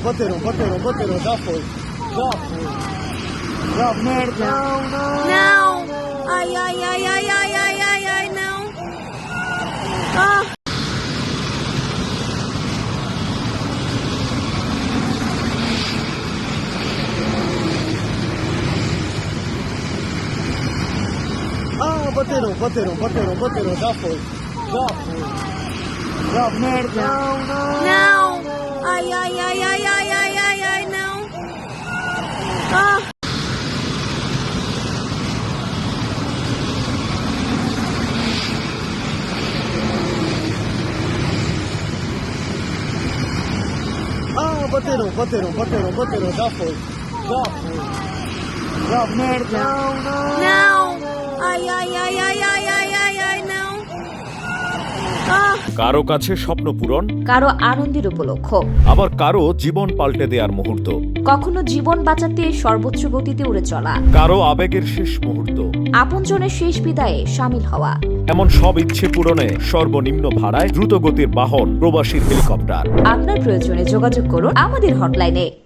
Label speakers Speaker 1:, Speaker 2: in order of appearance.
Speaker 1: batteram, já foi. Já, merda.
Speaker 2: Não! Ai, ai, ai, ai, ai, ai, ai, ai, não! Ah!
Speaker 1: Ah, bateram, já foi. Já, merda.
Speaker 2: Não! Ai, ai, ai, ai, ai, ai, ai, ai, não! Ah!
Speaker 1: Ah, bateram, já foi. Já, merda.
Speaker 2: Não! Ai, ai, ai, ai, ai, ai, ai, ai, não! Ah!
Speaker 3: কারো কাছে স্বপ্ন পূরণ,
Speaker 2: কারো আনন্দের উপলক্ষ,
Speaker 3: আবার কারো জীবন পাল্টে দেওয়ার মুহূর্ত,
Speaker 2: কখনো জীবন বাঁচাতে সর্বোচ্চ গতিতে উড়ে চলা,
Speaker 3: কারো আবেগের শেষ মুহূর্ত,
Speaker 2: আপনজনের শেষ বিদায়ে শামিল হওয়া।
Speaker 3: এমন সব ইচ্ছে পূরণে সর্বনিম্ন ভাড়ায় দ্রুতগতির বাহন প্রবাসীর হেলিকপ্টার।
Speaker 2: আপনার প্রয়োজনে যোগাযোগ করুন আমাদের হটলাইনে।